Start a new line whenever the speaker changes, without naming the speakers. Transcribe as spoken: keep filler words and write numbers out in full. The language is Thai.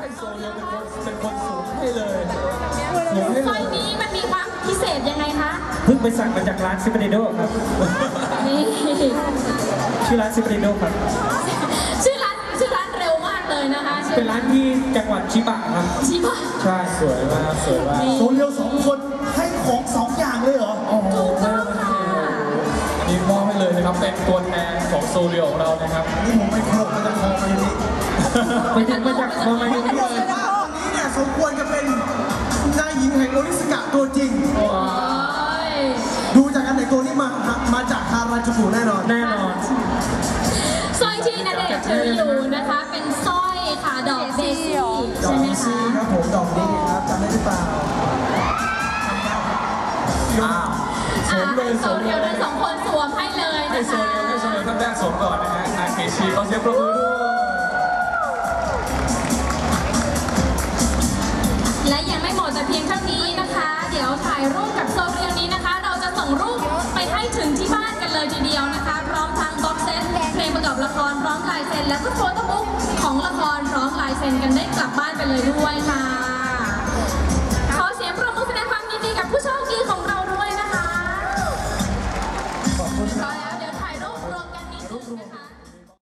ให้โซเรียเป็นคนเป็นคนสวมให้เลยสวมให้
สร้อยนี้มันมีความพิเศษยังไงคะ
เพิ่งไปสั่งมาจากร้านซิปเปอร์โดครับ
นี่
ชื่อร้านซิปเปอร์โดครับ
ชื่อร้านชื่อร้านเร็วมากเลยนะคะ
เป็นร้านที่จังหวัดชิบะครับ
ชิบะ
ใช่สวยมากสวยมาก
โซเรียสองคนให้ของสองอย่างเลยเหรอ
ถูกต้องค่ะ
อันนี้มอบให้เลยนะครับเป็นตัวแทนของโซเรียของเรานะครับนี่ผมไม่โผล่มาจากคอมาอย่างนี้
ไปถึงมาจากคอมาอย่างนี้เลย
ว่าคนนี้เนี่ยสมควรจะเป็นนายหญิงแห่งโอริสกะตัวจริงดูจากการแต่งตัวนี้มามาจากฮาราจูกุแน่นอน
แน่นอน
สร้อยที่ณเดชน์ถืออยู่นะคะเป็นสร้อยค่ะดอกเดซี่ใช่ไหมคะ
ครับผมดอกนี้ครับจำได้หรือเปล่า
สวมเลยสวมเดียวทั้งสองคนสวมให้เลยนะคะให้โซเรียให้โซเรียท่านแรกสวมก่อนนะฮะอาเคชิขอเสียงปรบมือด้วยและยังไม่หมดแต่เพียงเท่านี้นะคะเดี๋ยวถ่ายรูปกับโซเรียนี้นะคะเราจะส่งรูปไปให้ถึงที่บ้านกันเลยทีเดียวนะคะพร้อมทั้งบ็อกเซตเพลงประกอบละครพร้อมลายเซ็นและก็โฟโต้บุ๊กของละครพร้อมลายเซ็นกันได้กลับบ้านไปเลยด้วยค่ะ